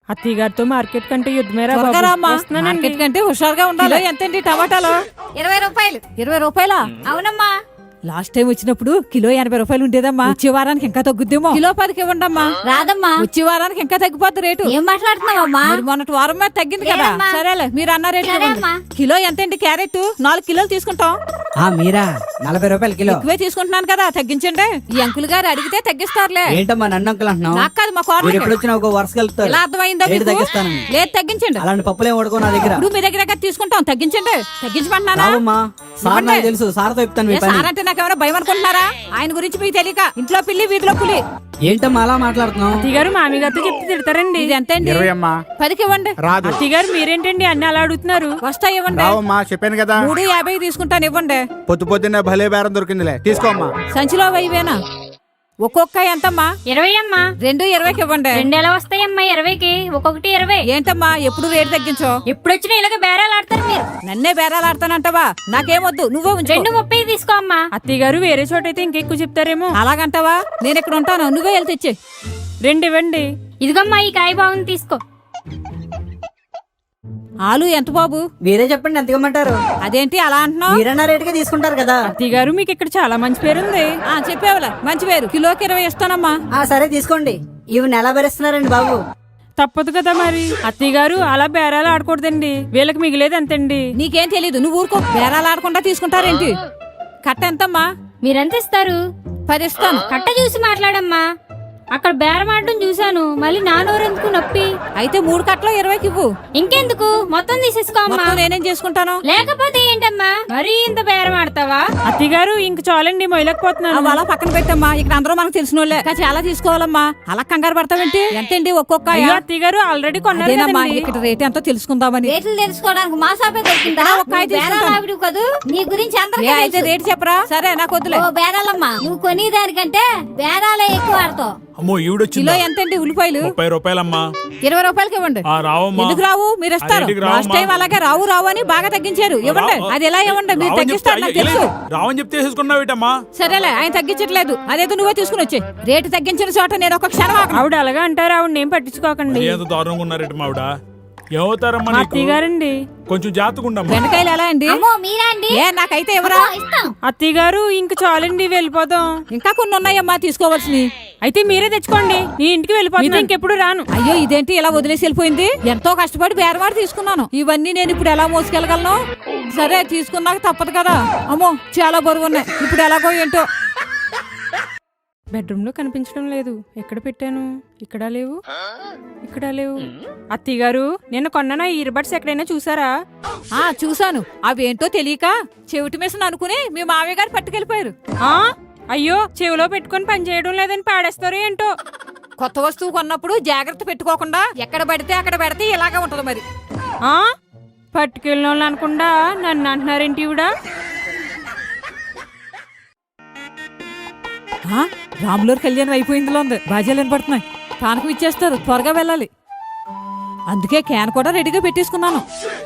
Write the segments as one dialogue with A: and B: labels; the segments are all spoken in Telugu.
A: అత్తయ్య గారితో మార్కెట్ కంటే యుద్ధమేరా
B: మార్కెట్ కంటే హుషారుగా ఉండాలి. ఎంతండి టమాటాలు?
C: 20 రూపాయలు.
B: 20 రూపాయలా?
C: అవునమ్మా.
B: లాస్ట్ టైం వచ్చినప్పుడు కిలో 80 రూపాయలు ఉండేదమ్మా. వచ్చే వారానికి ఇంకా తగ్గుద్దేమో. కిలో 10కి ఇవ్వండమ్మా.
C: రాదమ్మా.
B: వచ్చే వారానికి ఇంకా తగ్గిపోద్ది రేటు.
C: ఏం మాట్లాడుతున్నావమ్మా?
B: మొన్నటి వారం మీద తగ్గింది కదా. సరేలే మీరు అన్న రేటు ఇవ్వండి. కిలో ఎంతండి క్యారెట్? 4 కిలోలు తీసుకుంటాం.
D: మీరా 40 రూపాయలు కిలో.
B: ఎక్కువే తీసుకుంటున్నాను కదా, తగ్గించండి. ఈ అంకుల్ గారు అడిగితే తగ్గిస్తారులే.
D: ఏంటమ్మా నన్ను అంకుల్ అంటున్నావు?
B: నాకు కాదు, మా కోడలు.
D: ఎప్పుడు వచ్చినా ఒక వరుస కలుపుతారు.
B: ఎలా అర్థమైందా మీకు?
D: తగ్గిస్తాను.
B: లేదు తగ్గించండి.
D: అలాంటి పప్పులేం వడుకో నా దగ్గర.
B: ఇప్పుడు మీ దగ్గర తీసుకుంటాం, తగ్గించండి. తగ్గించమంటున్నానా?
D: సార్ నాకు తెలుసు, సార్తో చెప్తాను.
B: సార్ అంటే నాకెవరో భయం అనుకుంటున్నారా? ఆయన గురించి మీకు తెలియక ఇంట్లో పిల్లి వీధిలో పులి.
D: ఏంటమ్మా అలా మాట్లాడుతున్నావు?
A: అత్తయ్య గారు మామి గారితో చెప్తే తిడతారండి.
B: ఇది ఎంతండి?
E: 20
B: ఇవ్వండి.
A: అత్తయ్య గారు మీరేంటండి అన్ని అలా అడుగుతున్నారు?
B: వస్తా ఇవ్వండి.
E: చెప్పాను కదా
B: 3.50 తీసుకుంటాను, ఇవ్వండి.
E: పొద్దున్నే భలే బేరం దొరికిందిలే, తీసుకోమ్మా.
B: సంచిలో 1000 ఒక్కొక్క ఎంతమ్మా?
C: 20 అమ్మా.
B: 2 20కి ఇవ్వండి.
C: 2 ఎలా వస్తాయమ్మా 20కి? ఒక్కొక్కటి 20.
B: ఏంటమ్మా ఎప్పుడు రేటు తగ్గించో?
C: ఎప్పుడు వచ్చినా ఇలాగ బేరాలు ఆడతారు మీరు.
B: నన్నే బేరాలాడతానంటావా? నాకేమొద్దు, నువ్వే ఉంచు.
C: 2.30 తీసుకో అమ్మా.
A: అత్తయ్య గారు వేరే చోట అయితే ఇంకెక్కువ చెప్తారేమో.
B: అలాగంటావా? నేను ఇక్కడ ఉంటాను, నువ్వే వెళ్తే ఇచ్చే.
A: 2 ఇవ్వండి.
C: ఇదిగమ్మా ఈ కాయ బాగుంది, తీసుకో.
B: ఆలు ఎంత బాబు?
D: మీరే చెప్పండి ఎంత ఇవ్వమంటారు?
B: అదేంటి అలా అంటున్నావు?
D: మీరన్నా రేటుగా తీసుకుంటారు కదా.
A: అత్తయ్య గారు మీకు ఇక్కడ చాలా మంచి పేరుంది.
B: చెప్పేవాళ్ళ మంచి పేరు. కిలోకి 20 ఇస్తానమ్మా.
D: సరే తీసుకోండి. ఇవి నెల భరిస్తున్నారండి బాబు.
A: తప్పదు కదా మరి. అత్తయ్య గారు అలా బేరాలు ఆడకూడదండి, వీళ్ళకి మిగిలేదు అంతండి.
B: నీకేం తెలీదు, నువ్వు ఊరుకో. బేరాలు ఆడకుండా తీసుకుంటారేంటి? కట్ట ఎంతమ్మా?
C: మీరెంత ఇస్తారు?
B: 10 ఇస్తాను.
C: కట్ట చూసి మాట్లాడమ్మా. అక్కడ బేరం ఆడడం చూశాను, మళ్ళీ నానోరెందుకు నొప్పి.
B: అయితే 3 కట్టలో 20కి ఇవ్వు.
C: ఇంకెందుకు, మొత్తం తీసేసుకో అమ్మా.
B: మొత్తం నేనేం చేసుకుంటాను?
C: లేకపోతే ఏంటమ్మా మరీ ఇంత బేరం ఆడతావా?
A: అత్తయ్య గారు ఇంక చాలండి, మొయ్యలేకపోతున్నాను.
B: అలా పక్కన పెట్టమ్మా. ఇక్కడ అందరూ మనకు తెలిసిన వాళ్ళే. చాలా తీసుకోవాలమ్మా. అలా కంగారు పడతావేంటి? ఎంతండి ఒక్కొక్క?
A: అత్తయ్య గారు ఆల్రెడీ కొన్నారమ్మా.
B: ఇక్కడ రేట్ ఎంతో తెలుసుకుందామని.
C: రేట్లు తెలుసుకోవడానికి మా షాపే దొరికిందా? బేరాలు కదూ, నీ గురించి
B: అయితే రేటు చెప్పరా? సరే నాకు వద్దులే.
C: బేరాలమ్మా, నువ్వు కొనేదానికంటే బేరాలే ఎక్కువ ఆడతావు.
F: అమ్మో ఈవిడొచ్చింది.
B: కిలో ఎంతండి ఉల్లిపాయలు?
F: 30 రూపాయలమ్మా.
B: 20 రూపాయలకి ఇవ్వండి.
F: రావమ్మా.
B: ఎందుకు రావు? మీరు ఇస్తారు. లాస్ట్ టైం అలాగే రావు రావు అని బాగా తగ్గించారు. ఇవ్వండి. అది ఎలా ఇవ్వండి? మీరు తగ్గిస్తారు నాకు తెలుసు.
F: రావని చెప్తే తీసుకున్నావేటమ్మా?
B: సరేలే, ఆయన తగ్గించట్లేదు. అదేదో నువ్వే తీసుకుని వచ్చే. రేటు తగ్గించిన చోట నేను ఒక క్షణం ఆగను.
A: ఆవిడ అలాగా అంటారు, ఆవిడ ఏం పట్టించుకోకండి.
F: ఎంత దారుణంగా ఉన్నారేట ఆవిడ. ఏమవుతారమ్మా నీకు?
A: అత్తయ్య గారండి
F: కొంచెం జాగ్రత్తగా.
B: బెండకాయలు ఎలా అండి?
C: మీరా అండి?
B: నాకైతే ఎవరా?
A: అత్తయ్య గారు ఇంక చాలండి, వెళ్ళిపోదాం.
B: ఇంకా కొన్ని ఉన్నాయమ్మా తీసుకోవాల్సినవి.
A: అయితే మీరే తెచ్చుకోండి, నీ ఇంటికి వెళ్ళిపోతున్నా, ఇంకెప్పుడు రాను.
B: అయ్యో ఇదేంటి ఇలా వదిలేసి వెళ్ళిపోయింది? ఎంతో కష్టపడి బేరవాడు తీసుకున్నాను. ఇవన్నీ నేను ఇప్పుడు ఎలా మోసుకెళ్ళగలను? సరే తీసుకున్నాక తప్పదు కదా. అమ్మో చాలా బరువు ఉన్నాయి. ఇప్పుడు ఎలాగో ఏంటో.
A: బెడ్రూమ్ లో కనిపించడం లేదు. ఎక్కడ పెట్టాను? ఇక్కడ లేవు, ఇక్కడ లేవు. అత్తయ్య గారు నిన్న కొన్న ఇయర్ బడ్స్ ఎక్కడైనా చూసారా?
B: చూసాను. అవేంటో తెలియక చెవిటి మిషన్ అనుకుని మీ మావయ్య గారు పట్టుకెళ్ళిపోయారు.
A: అయ్యో, చెవిలో పెట్టుకొని పని చేయడం లేదని పాడేస్తారో ఏంటో.
B: కొత్త వస్తువు కొన్నప్పుడు జాగ్రత్త పెట్టుకోకుండా ఎక్కడ పడితే అక్కడ పెడితే ఇలాగే ఉంటది మరి.
A: పట్టుకెళ్ళిన వాళ్ళు అనకుండా నన్ను అంటున్నారేంటి ఈవిడ?
B: రాములూరు కళ్యాణం అయిపోయిందిలో ఉంది. బాజాలు వినపడుతున్నాయి. పానకం ఇచ్చేస్తారు, త్వరగా వెళ్ళాలి. అందుకే క్యాన్ కూడా రెడీగా పెట్టేసుకున్నాను.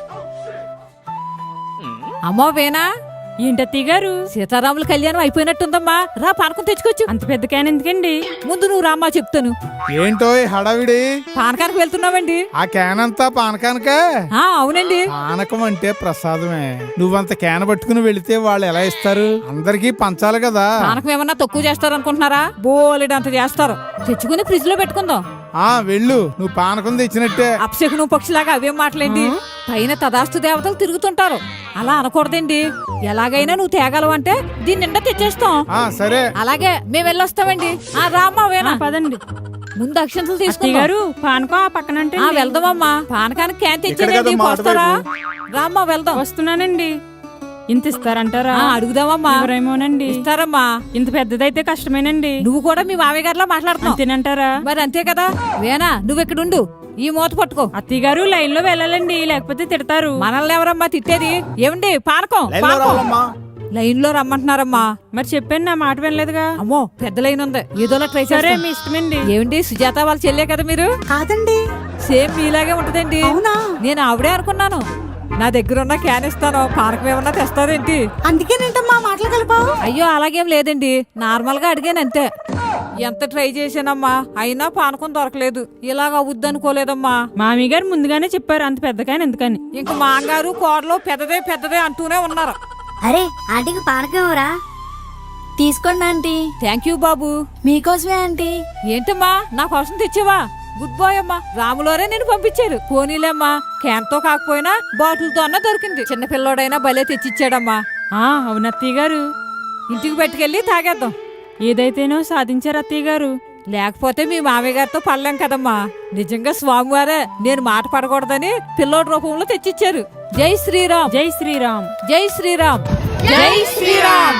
B: అమ్మో వేనా?
A: ఏంటి అత్తయ్య గారు?
B: సీతారాముల కళ్యాణం అయిపోయినట్టుందమ్మా. రా పానకం తెచ్చుకోవచ్చు.
A: అంత పెద్ద క్యాన్ ఎందుకండి?
B: ముందు నువ్వు రామ్మా చెప్తాను.
E: ఏంటో హడావిడి?
B: పానకానికి వెళ్తున్నావండి.
E: ఆ క్యాన్ అంతా పానకానికే?
B: అవునండి.
E: పానకం అంటే ప్రసాదమే. నువ్వంత క్యాన్ పట్టుకుని వెళితే వాళ్ళు ఎలా ఇస్తారు? అందరికీ పంచాలి కదా.
B: పానకం ఏమన్నా తక్కువ చేస్తారు అనుకుంటున్నారా? బోలెడంత చేస్తారు. తెచ్చుకుని ఫ్రిడ్జ్ లో పెట్టుకుందాం.
E: వెళ్ళు, నువ్వు పానకం తెచ్చినట్టే.
B: అప్సెకును పక్షిలాగా అవేం మాటలేండి. పైన తదాస్తు దేవతలు తిరుగుతుంటారు. అలా అనకూడదండి. ఎలాగైనా నువ్వు తేగలవంటే దీని నిండా తెచ్చేస్తాం.
E: సరే
B: అలాగే మేము వెళ్ళొస్తామండి. రామ్మా వేనా,
A: పదండి.
B: ముందు అక్షంతలు
A: అత్తయ్య
B: తీసుకున్నారు.
A: గారు పానకం ఆ పక్కనంటే
B: వెళ్దామమ్మా. పానకానికి క్యాన్ తెచ్చేది. వస్తారా? రామ్మా వెళ్దాం.
A: వస్తున్నానండి. ఇంత ఇస్తారంటారా?
B: అడుగుదామమ్మా.
A: ఎవరేమోనండి.
B: ఇస్తారమ్మా.
A: ఇంత పెద్దదైతే కష్టమేనండి.
B: నువ్వు కూడా మీ మామయ్య గారిలో మాట్లాడుతున్నావు.
A: తినంటారా?
B: మరి అంతే కదా. వేనా నువ్వు ఇక్కడుండు, ఈ మూత పట్టుకో.
A: అత్తయ్య గారు లైన్ లో వెళ్ళాలండి, లేకపోతే తిడతారు.
B: మనల్ని ఎవరమ్మా తిట్టేది? ఏమండి పానకం లైన్ లో రమ్మంటున్నారమ్మా.
A: మరి చెప్పాను, నా మాట వినలేదుగా.
B: అమ్మో పెద్ద లైన్ ఉంది, ఏదోలా ట్రై
A: సరే
B: చేస్తాం.
A: మీ ఇష్టమండి.
B: ఏమండి సుజాత వాళ్ళ చెల్లే కదా మీరు?
D: కాదండి.
B: సేమ్ మీలాగే ఉంటదండి.
D: అవునా?
B: నేను ఆవిడే అనుకున్నాను. నా దగ్గర ఉన్న క్యాన్ ఇస్తాను, పానకం ఏమన్నా తెస్తారేంటి?
D: అందుకేనంటమ్మా మాటలు కలిపావు.
B: అయ్యో అలాగేం లేదండి, నార్మల్ గా అడిగాను అంతే. ఎంత ట్రై చేశానమ్మా అయినా పానకం దొరకలేదు. ఇలాగ అవుద్దనుకోలేదమ్మా.
A: మామయ్య గారు ముందుగానే చెప్పారు అంత పెద్దకాయని ఎందుకని.
B: ఇంక మాంగారు కోడలు పెద్దదే పెద్దదే అంటూనే ఉన్నారు.
G: అరే ఆంటీకి పానకం తీసుకోండి ఆంటీ.
B: థ్యాంక్ యూ బాబు.
G: మీకోసమే ఆంటీ.
B: ఏంటమ్మా నా కోసం తెచ్చావా? గుడ్ బాయ్ అమ్మా. రాములోరే నేను పంపించారు. పోనీలేమ్మా, క్యాన్తో కాకపోయినా బాటిల్తో అన్నా దొరికింది. చిన్నపిల్లోడైనా భలే తెచ్చిచ్చాడమ్మా.
A: అవును అత్తయ్య గారు.
B: ఇంటికి పట్టుకెళ్ళి తాగేద్దాం.
A: ఏదైతేనో సాధించారు అత్తయ్య గారు.
B: లేకపోతే మీ మామయ్య గారితో పడలేం కదమ్మా. నిజంగా స్వామివారే నేను మాట పడకూడదని పిల్లోడి రూపంలో తెచ్చిచ్చారు. జై శ్రీరామ్.
A: జై శ్రీరామ్.
B: జై శ్రీరామ్. జై శ్రీరామ్.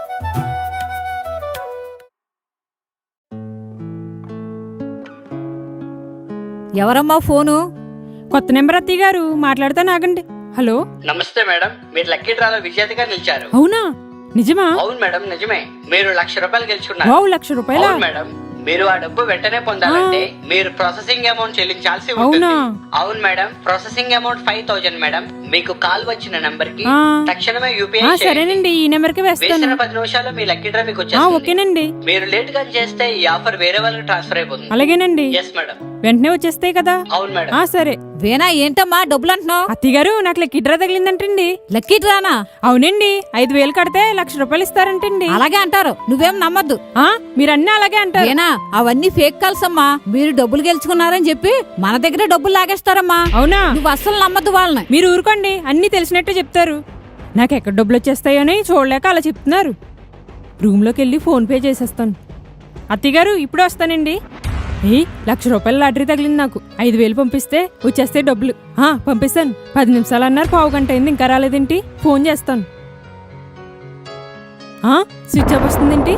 B: ఎవరమ్మా ఫోను?
A: కొత్త నెంబర్ అత్తయ్య గారు. మాట్లాడతాను ఆగండి. హలో.
H: నమస్తే మేడం, మీరు లక్కీ డ్రాలో విజేతగా నిలిచారు.
A: అవునా? నిజమా?
H: అవును మేడం, నిజమే. మీరు ₹1,00,000 గెలుచుకున్నారు.
A: వావ్, ₹1,00,000?
H: అవును మేడం, మీరు ఆ డబ్బు వెంటనే పొందాలంటే మీరు ప్రాసెసింగ్ అమౌంట్ చెల్లించాల్సి ఉంటుంది.
A: అవునా?
H: అవును మేడం, ప్రాసెసింగ్ అమౌంట్ 5,000 మేడం. మీకు కాల్ వచ్చిన నంబర్ కి తక్షణమే యూపీఐ
A: సరేనండి, ఈ నెంబర్ కి వేస్తాను.
H: వేసిన 10 నిమిషాల్లో మీ లక్కీ డ్రా మీకు వచ్చేస్తుంది.
A: ఓకేనండి.
H: మీరు లేట్ గా చేస్తే ఈ ఆఫర్ వేరే వాళ్ళకి ట్రాన్స్ఫర్ అయిపోతుంది.
A: అలాగేనండి.
H: Yes madam.
A: వెంటనే వచ్చేస్తాయి కదా?
H: అవును మేడం.
A: సరే.
B: వేనా ఏంటమ్మా డబ్బులు అంటున్నావు?
A: అత్తయ్య గారు నాకు లక్కీ డ్రా తగిలిందంటండి.
B: లక్కీ డ్రానా?
A: అవునండి, 5,000 కడితే ₹1,00,000 ఇస్తారంటండి.
B: అలాగే అంటారు, నువ్వేం నమ్మద్దు.
A: మీరన్నీ అలాగే అంటారు.
B: వేనా అవన్నీ ఫేక్ కాల్స్ అమ్మా. మీరు డబ్బులు గెలుచుకున్నారని చెప్పి మన దగ్గర డబ్బులు లాగేస్తారమ్మా.
A: అవునా?
B: నువ్వు అస్సలు నమ్మద్దు వాళ్ళని.
A: మీరు ఊరుకోండి, అన్ని తెలిసినట్టు చెప్తారు. నాకు ఎక్కడ డబ్బులు వచ్చేస్తాయని చూడలేక అలా చెప్తున్నారు. రూమ్లోకి వెళ్ళి ఫోన్ పే చేసేస్తాను. అత్తయ్య గారు ఇప్పుడే వస్తానండి. ₹1,00,000 లాటరీ తగిలింది నాకు. 5,000 పంపిస్తే వచ్చేస్తే డబ్బులు. పంపిస్తాను. 10 నిమిషాలు అన్నారు, పావు గంట అయింది, ఇంకా రాలేదేంటి? ఫోన్ చేస్తాను. స్విచ్ ఆఫ్ వస్తుందేంటి?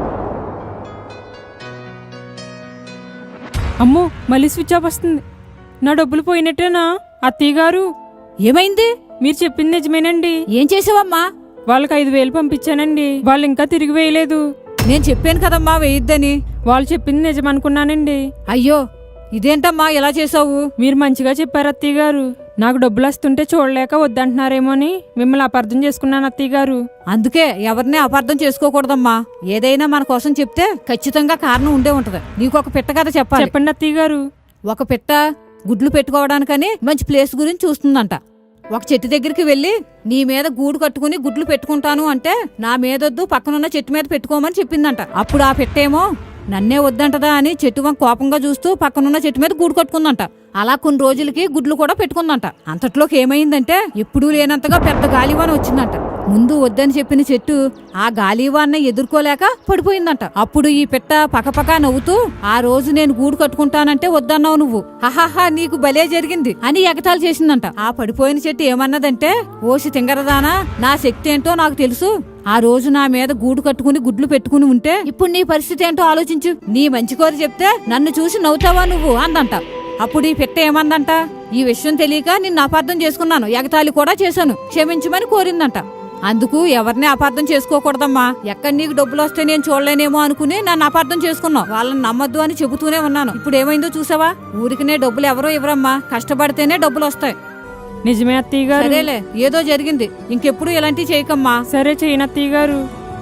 A: అమ్మో, మళ్ళీ స్విచ్ ఆఫ్ వస్తుంది. నా డబ్బులు పోయినట్టేనా? అత్తయ్య గారు
B: ఏమైంది?
A: మీరు చెప్పింది నిజమేనండి.
B: ఏం చేసావమ్మా?
A: వాళ్ళకి 5,000 పంపించానండి. వాళ్ళు ఇంకా తిరిగి వేయలేదు.
B: నేను చెప్పాను కదమ్మా వేయొద్దని.
A: వాళ్ళు చెప్పింది నిజమనుకున్నానండి.
B: అయ్యో, ఇదేంటమ్మా ఇలా చేసావు?
A: మీరు మంచిగా చెప్పారు అత్తయ్య గారు. నాకు డబ్బులు వస్తుంటే చూడలేక వద్దంటున్నారేమో అని మిమ్మల్ని అపార్థం చేసుకున్నాను అత్తయ్య గారు.
B: అందుకే ఎవరిని అపార్థం చేసుకోకూడదమ్మా. ఏదైనా మన కోసం చెప్తే ఖచ్చితంగా కారణం ఉండే ఉంటది. నీకు ఒక పిట్ట కథ చెప్పాలి.
A: చెప్పండి అత్తయ్య గారు.
B: ఒక పిట్ట గుడ్లు పెట్టుకోవడానికని మంచి ప్లేస్ గురించి చూస్తుందంట. ఒక చెట్టు దగ్గరికి వెళ్లి నీ మీద గూడు కట్టుకుని గుడ్లు పెట్టుకుంటాను అంటే నా మీదొద్దు, పక్కనున్న చెట్టు మీద పెట్టుకోమని చెప్పిందంట. అప్పుడు ఆ పెట్టేమో నన్నే వద్దంటదా అని చెట్టు వంక కోపంగా చూస్తూ పక్కనున్న చెట్టు మీద గూడు కట్టుకుందంట. అలా కొన్ని రోజులకి గుడ్లు కూడా పెట్టుకుందంట. అంతట్లోకి ఏమైందంటే ఎప్పుడూ లేనంతగా పెద్ద గాలివాన వచ్చిందంట. ముందు వద్దని చెప్పిన చెట్టు ఆ గాలివాన్న ఎదుర్కోలేక పడిపోయిందంట. అప్పుడు ఈ పిట్ట పకపకా నవ్వుతూ, ఆ రోజు నేను గూడు కట్టుకుంటానంటే వద్దన్నావు నువ్వు, హహాహా నీకు భలే జరిగింది అని ఎగతాళి చేసిందంట. ఆ పడిపోయిన చెట్టు ఏమన్నదంటే, ఓసి తింగరదానా, నా శక్తి ఏంటో నాకు తెలుసు. ఆ రోజు నా మీద గూడు కట్టుకుని గుడ్లు పెట్టుకుని ఉంటే ఇప్పుడు నీ పరిస్థితి ఏంటో ఆలోచించు. నీ మంచి కోరి చెప్తే నన్ను చూసి నవ్వుతావా నువ్వు అందంట. అప్పుడు ఈ పిట్ట ఏమందంట, ఈ విషయం తెలియక నిన్ను అపార్థం చేసుకున్నాను, ఎగతాళి కూడా చేశాను, క్షమించమని కోరిందంట. అందుకు ఎవరిని అపార్థం చేసుకోకూడదమ్మా. ఎక్కడ నీకు డబ్బులు వస్తే నేను చూడలేనేమో అనుకుని నన్ను అపార్థం చేసుకున్నావు. వాళ్ళని నమ్మద్దు అని చెబుతూనే ఉన్నాను. ఇప్పుడు ఏమైందో చూసావా? ఊరికినే డబ్బులు ఎవరో ఇవ్వరమ్మా, కష్టపడితేనే డబ్బులు వస్తాయి.
A: నిజమే అత్తయ్య గారు.
B: సరేలే, ఏదో జరిగింది, ఇంకెప్పుడు ఇలాంటివి చేయకమ్మా.
A: సరే, చేయను అత్తయ్య గారు.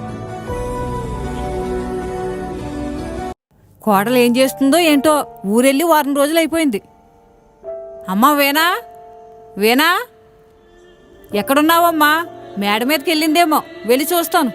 B: కోడలు ఏం చేస్తుందో ఏంటో, ఊరెళ్ళి వారం రోజులు అయిపోయింది. అమ్మా వేనా, వేనా ఎక్కడున్నావమ్మా? మేడ మీదకి వెళ్ళిందేమో, వెళ్ళి చూస్తాను.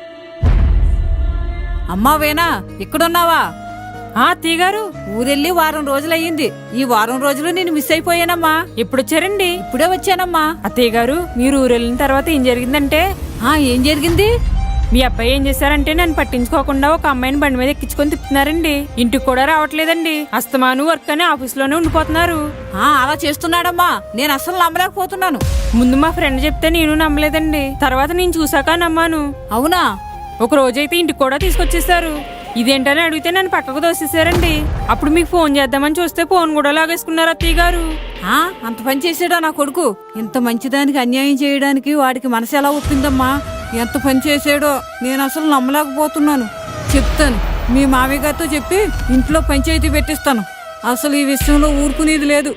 B: అమ్మా వేనా, ఇక్కడున్నావా?
A: అత్తయ్య గారు,
B: ఊరెళ్ళి వారం రోజులయ్యింది. ఈ వారం రోజులు నేను మిస్ అయిపోయానమ్మా.
A: ఎప్పుడు వచ్చారండి?
B: ఇప్పుడే వచ్చానమ్మా.
A: అత్తయ్య గారు, మీరు ఊరు వెళ్ళిన తర్వాత ఏం జరిగిందంటే,
B: ఏం జరిగింది?
A: మీ అబ్బాయి ఏం చేశారంటే నన్ను పట్టించుకోకుండా ఒక అమ్మాయిని బండి మీద ఎక్కించుకొని తిప్పుతున్నారండి. ఇంటికి కూడా రావట్లేదండి. అస్తమాను వర్క్ అని ఆఫీస్లోనే ఉండిపోతున్నారు.
B: అలా చేస్తున్నాడమ్మా, నేను అస్సలు నమ్మలేకపోతున్నాను.
A: ముందు మా ఫ్రెండ్ చెప్తే నేను నమ్మలేదండి. తర్వాత నేను చూసాక నమ్మాను.
B: అవునా?
A: ఒక రోజైతే ఇంటికి కూడా తీసుకొచ్చేసారు. ఇదేంటని అడిగితే నన్ను పక్కకు దోసేశారండి. అప్పుడు మీకు ఫోన్ చేద్దామని చూస్తే ఫోన్ కూడా లాగేసుకున్నారు అత్తయ్య గారు.
B: అంత పని చేసాడా నా కొడుకు? ఇంత మంచిదానికి అన్యాయం చేయడానికి వాడికి మనసు ఎలా ఒప్పిందమ్మా? ఎంత పని చేసాడో నేను అసలు నమ్మలేకపోతున్నాను. చెప్తాను, మీ మామయ్య గారితో చెప్పి ఇంట్లో పంచాయతీ పెట్టిస్తాను. అసలు ఈ విషయంలో ఊరుకునేది లేదు.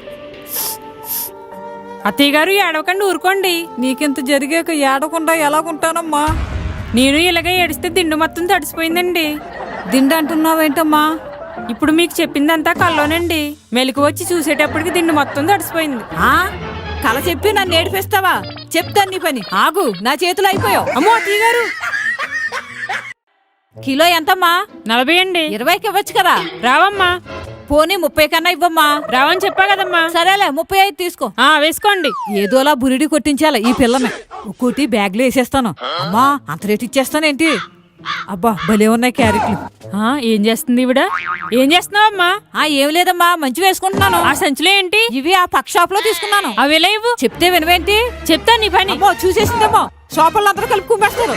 A: అత్తయ్య గారు, ఏడవకండి, ఊరుకోండి.
B: నీకింత జరిగాక ఏడకుండా ఎలాగుంటానమ్మా?
A: నేను ఇలాగే ఏడిస్తే దిండు మొత్తం తడిసిపోయిందండి.
B: దిండు అంటున్నావేంటమ్మా?
A: ఇప్పుడు మీకు చెప్పిందంతా కల్లోనండి. మెలకు వచ్చి చూసేటప్పటికి దిండు మొత్తం తడిసిపోయింది.
B: ఆ కల చెప్పి నన్ను ఏడిపిస్తావా? చెప్తాను నీ పని. ఆగు, నా చేతులు అయిపోయావు.
A: అమ్మో అత్తయ్య గారు,
B: కిలో ఎంతమ్మా?
A: 40 అండి.
B: 20కి ఇవ్వచ్చు కదా.
A: రావమ్మా.
B: పోనీ 30 కన్నా ఇవ్వమ్మా.
A: రావని చెప్పా కదమ్మా.
B: సరేలే 35 తీసుకో.
A: వేసుకోండి.
B: ఏదోలా బురిడి కొట్టించాల ఈ పిల్లని. ఒక్కోటి బ్యాగ్లో వేసేస్తాను. అమ్మా అంత రేటు ఇచ్చేస్తానేంటి? అబ్బా భలే ఉన్నాయి క్యారెట్లు.
A: ఏం చేస్తుంది ఈవిడ? ఏం చేస్తున్నావమ్మా?
B: ఏం లేదమ్మా, మంచి వేసుకుంటున్నాను.
A: ఆ సంచులో ఏంటి?
B: ఇవి ఆ పక్క షాప్ లో తీసుకున్నాను.
A: అవి ఎలా ఇవ్వు?
B: చెప్తే వినవేంటి?
A: చెప్తా నీ పని.
B: అమ్మో చూసేసిందేమో, షాపుల్లో అందరూ కలిపి కుమ్మేస్తారు.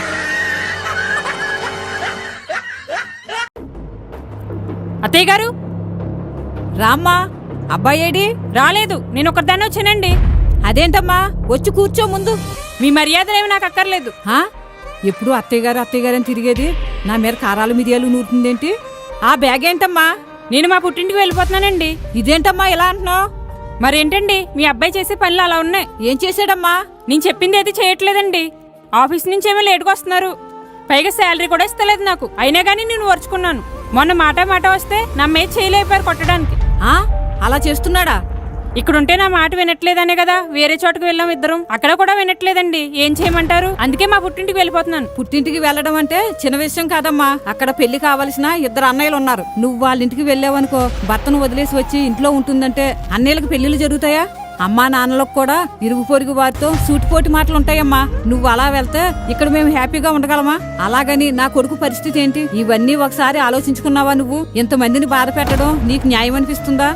A: అత్తయ్య గారు
B: రామ్మా. అబ్బాయి ఏడి?
A: రాలేదు, నేను ఒకదాన్ని వచ్చానండి.
B: అదేంటమ్మా, వచ్చి కూర్చో ముందు.
A: మీ మర్యాదలేవి నాకు అక్కర్లేదు.
B: ఎప్పుడు అత్తయ్య గారు అని తిరిగేది, నా మీద కారాలు మిరియాలు నూరుతుందేంటి? ఆ బ్యాగ్ ఏంటమ్మా?
A: నేను మా పుట్టింటికి వెళ్ళిపోతున్నానండి.
B: ఇదేంటమ్మా ఇలా అంటున్నావు?
A: మరేంటండి, మీ అబ్బాయి చేసే పనులు అలా ఉన్నాయి.
B: ఏం చేశాడమ్మా?
A: నేను చెప్పింది అయితే చేయట్లేదండి. ఆఫీస్ నుంచి ఏమో లేటుగా వస్తున్నారు. పైగా శాలరీ కూడా ఇస్తలేదు నాకు. అయినా కానీ నేను ఓర్చుకున్నాను. మొన్న మాట వస్తే నా మీద చేయలేపారు కొట్టడానికి.
B: అలా చేస్తున్నాడా?
A: ఇక్కడుంటే నా మాట వినట్లేదనే కదా వేరే చోటుకు వెళ్ళాం ఇద్దరం. అక్కడ కూడా వినట్లేదండి. ఏం చేయమంటారు? అందుకే మా పుట్టింటికి వెళ్ళిపోతున్నాను.
B: పుట్టింటికి వెళ్ళడం అంటే చిన్న విషయం కాదమ్మా. అక్కడ పెళ్లి కావాల్సిన 2 అన్నయ్యలు ఉన్నారు. నువ్వు వాళ్ళ ఇంటికి వెళ్ళావనుకో, భర్తను వదిలేసి వచ్చి ఇంట్లో ఉంటుందంటే అన్నయ్యలకు పెళ్లిళ్ళు జరుగుతాయా? అమ్మా నాన్నలకు కూడా ఇరుగు పొరుగు వారితో సూటిపోటి మాటలు ఉంటాయమ్మా. నువ్వు అలా వెళ్తే ఇక్కడ మేము హ్యాపీగా ఉండగలమా? అలాగని నా కొడుకు పరిస్థితి ఏంటి? ఇవన్నీ ఒకసారి ఆలోచించుకున్నావా? నువ్వు ఇంతమందిని బాధ పెట్టడం నీకు న్యాయం అనిపిస్తుందా?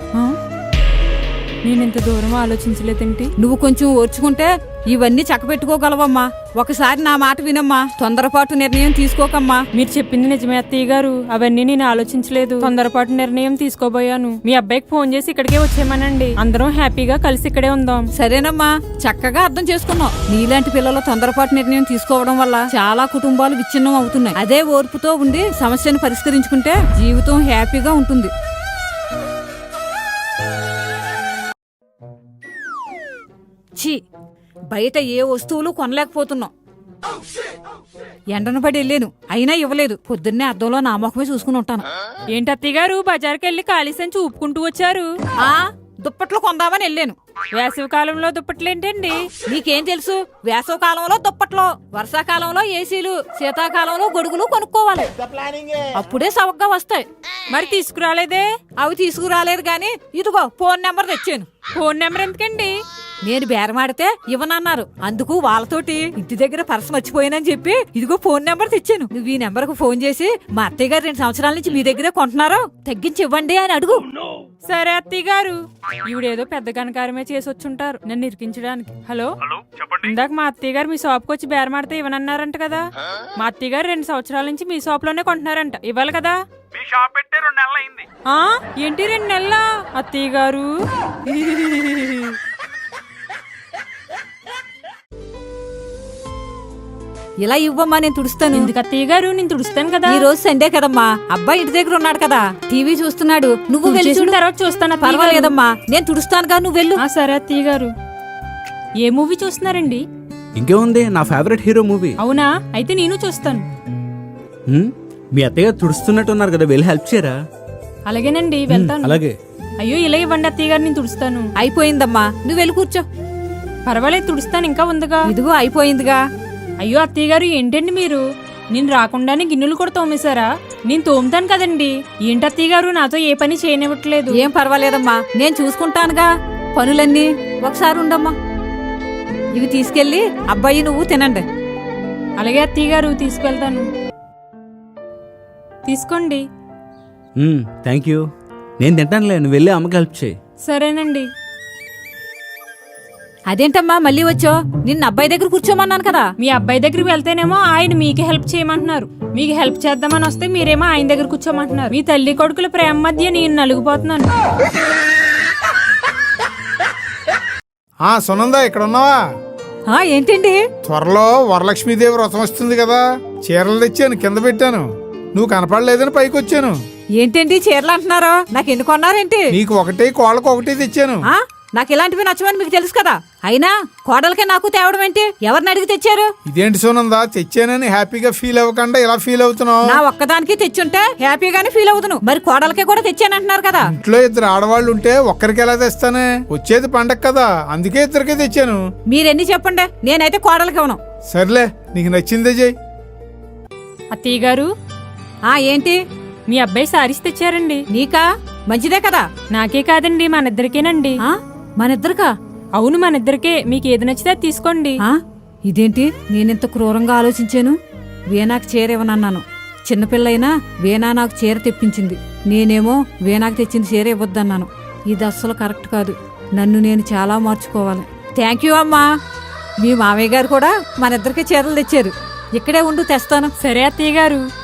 A: నేను ఇంత దూరం ఆలోచించలేదేంటి?
B: నువ్వు కొంచెం ఓర్చుకుంటే ఇవన్నీ చక్కబెట్టుకోగలవమ్మా. ఒకసారి నా మాట వినమ్మా. తొందరపాటు నిర్ణయం తీసుకోకమ్మా.
A: మీరు చెప్పింది నిజమే అత్తయ్య గారు. అవన్నీ నేను ఆలోచించలేదు. తొందరపాటు నిర్ణయం తీసుకోబోయాను. మీ అబ్బాయికి ఫోన్ చేసి ఇక్కడికే వచ్చేయమనండి. అందరం హ్యాపీగా కలిసి ఇక్కడే ఉందాం.
B: సరేనమ్మా, చక్కగా అర్థం చేసుకున్నావు. నీలాంటి పిల్లలు తొందరపాటు నిర్ణయం తీసుకోవడం వల్ల చాలా కుటుంబాలు విచ్ఛిన్నం అవుతున్నాయి. అదే ఓర్పుతో ఉండి సమస్యను పరిష్కరించుకుంటే జీవితం హ్యాపీగా ఉంటుంది. బయట ఏ వస్తువులు కొనలేకపోతున్నాం. ఎండను పడి వెళ్ళాను, అయినా ఇవ్వలేదు. పొద్దున్నే అద్దంలో నా ముఖమే చూసుకుని ఉంటాను.
A: ఏంటి అత్తయ్య గారు, బజార్కి వెళ్ళి ఖాళీ సంచి ఊపుకుంటూ వచ్చారు?
B: దుప్పట్లు కొందామని వెళ్ళాను.
A: వేసవి కాలంలో దుప్పట్లేంటండి?
B: నీకేం తెలుసు? వేసవ కాలంలో దుప్పట్లు, వర్షాకాలంలో ఏసీలు, శీతాకాలంలో గొడుగులు కొనుక్కోవాలి. అప్పుడే సవగ్గా వస్తాయి.
A: మరి తీసుకురాలేదే?
B: అవి తీసుకురాలేదు గాని ఇదిగో ఫోన్ నెంబర్ తెచ్చాను.
A: ఫోన్ నెంబర్ ఎందుకండి?
B: నేను బేరమాడితే ఇవ్వనన్నారు. అందుకు వాళ్ళతోటి ఇంటి దగ్గర పర్స్ మర్చిపోయానని చెప్పి ఇదిగో ఫోన్ నెంబర్ తెచ్చాను. నువ్వు ఈ నెంబర్ కు ఫోన్ చేసి మా అత్తయ్య గారు 2 సంవత్సరాల నుంచి మీ దగ్గరే కొంటున్నారు, తగ్గించి ఇవ్వండి అని అడుగు.
A: సరే అత్తయ్య గారు. ఈవిడేదో పెద్ద కనకారమే చేసి వచ్చుంటారు నన్ను ఇరికించడానికి. హలో, ఇందాక మా అత్తయ్య గారు మీ షాప్కి వచ్చి బేరమాడితే ఇవ్వనన్నారంట కదా. మా అత్తయ్య గారు 2 సంవత్సరాల నుంచి మీ షాప్ లోనే కొంటున్నారంట. ఇవ్వాలి కదా? ఏంటి 2 నెలల? అత్తయ్య గారు
B: ఇలా ఇవ్వమ్మా, నేను తుడుస్తాను.
A: ఎందుకు అత్తయ్య గారు? నేను తుడుస్తాను కదా.
B: ఈ రోజు సండే కదమ్మా, అబ్బాయి ఇంటి దగ్గర ఉన్నాడు కదా, టీవీ చూస్తున్నాడు. నువ్వు వెళ్ళి చూడు.
A: తర్వాత చూస్తాను.
B: పర్వాలేదమ్మా, నేను తుడుస్తానుగా, నువ్వు వెళ్ళు.
A: సరే అత్తయ్య గారు. ఏ మూవీ చూస్తున్నారండి?
I: ఇంకేముంది, నా ఫేవరెట్ హీరో మూవీ.
A: అవునా? అయితే నేను చూస్తాను.
I: మీ అత్తయ్య తుడుస్తున్నట్టున్నారు కదా, వెళ్ళి హెల్ప్ చేయరా?
A: అలాగేనండి, వెళ్తాను.
I: అలాగే.
A: అయ్యో ఇలా ఇవ్వండి అత్తయ్య గారు, నేను తుడుస్తాను.
B: అయిపోయిందమ్మా, నువ్వు వెళ్ళి కూర్చో.
A: పర్వాలేదు, తుడుస్తాను. ఇంకా ఉందిగా.
B: ఇదిగో అయిపోయిందిగా.
A: అయ్యో అత్తయ్య గారు, ఏంటండి మీరు? నేను రాకుండానే గిన్నెలు కూడా తోమేశారా? నేను తోముతాను కదండి. ఏంటి అత్తయ్య గారు, నాతో ఏ పని చేయనివ్వట్లేదు?
B: ఏం పర్వాలేదమ్మా, నేను చూసుకుంటానుగా పనులన్నీ. ఒకసారి ఉండమ్మా, ఇవి తీసుకెళ్ళి అబ్బాయి నువ్వు తినండి.
A: అలాగే అత్తయ్య గారు, తీసుకెళ్తాను. తీసుకోండి.
I: Thank you. నేను తింటానులే, నువ్వు వెళ్ళి అమ్మకి హెల్ప్ చేయి.
A: సరేనండి.
B: అదేంటమ్మా మళ్ళీ వచ్చో? నిన్న అబ్బాయి దగ్గర కూర్చోమన్నాను కదా.
A: మీ అబ్బాయి దగ్గరికి వెళ్తేనేమో ఆయన మీకు హెల్ప్ చేయమంటున్నారు. మీకు హెల్ప్ చేద్దామని వస్తే మీరేమో ఆయన దగ్గర కూర్చోమంటున్నారు. మీ తల్లి కొడుకుల ప్రేమ మధ్య నేను నలిగిపోతున్నాను.
E: సునందా, ఇక్కడ ఉన్నావా?
B: ఏంటండి?
E: త్వరలో వరలక్ష్మీదేవి వ్రతం వస్తుంది కదా, చీరలు తెచ్చాను, కింద పెట్టాను. నువ్వు కనపడలేదని పైకి వచ్చాను.
B: ఏంటండి చీరలు అంటున్నారో? నాకు ఎన్ని కొన్నారేంటి?
E: నీకు ఒకటి, కోళ్ళకు ఒకటి తెచ్చాను.
B: నాకు ఇలాంటివి నచ్చమని మీకు తెలుసు కదా. అయినా కోడలకే నాకు తేవడం ఏంటి? ఎవరిని అడిగి తెచ్చారు?
E: ఇదేంటి సోనందా, తెచ్చానని హ్యాపీగా ఫీల్ అవ్వకుండా ఇలా ఫీల్ అవుతున్నావు?
B: నా ఒక్కదానికి తెచ్చుంటే హ్యాపీగానే ఫీల్ అవుతును. మరి కోడలకే కూడా తెచ్చానంటున్నారు కదా.
E: ఇంట్లో ఇద్దరు ఆడవాళ్ళు ఉంటే ఒక్కరికి ఎలా తెస్తానే? వచ్చేది పండగ కదా, అందుకే ఇద్దరికే తెచ్చాను.
B: మీరెన్ని చెప్పండి, నేనైతే కోడలకి ఇవ్వను.
E: సర్లే, నీకు నచ్చిందే చెయ్యి.
A: అత్తయ్య గారు,
B: ఏంటి?
A: మీ అబ్బాయి సారీస్ తెచ్చారండి.
B: నీకా? మంచిదే కదా.
A: నాకే కాదండి, మనిద్దరికేనండి.
B: మనిద్దరికా?
A: అవును, మనిద్దరికే. మీకు ఏది నచ్చితే అది తీసుకోండి.
B: ఇదేంటి నేనెంత క్రూరంగా ఆలోచించాను? వీణాకి చీర ఇవ్వనన్నాను. చిన్నపిల్లైనా వీణా నాకు చీర తెప్పించింది, నేనేమో వీణాకి తెచ్చిన చీర ఇవ్వద్దన్నాను. ఇది అస్సలు కరెక్ట్ కాదు. నన్ను నేను చాలా మార్చుకోవాలి. థ్యాంక్ యూ అమ్మా. మీ మామయ్య గారు కూడా మనిద్దరికి చీరలు తెచ్చారు. ఇక్కడే ఉండు, తెస్తాను.
A: సరే అత్తయ్య గారు.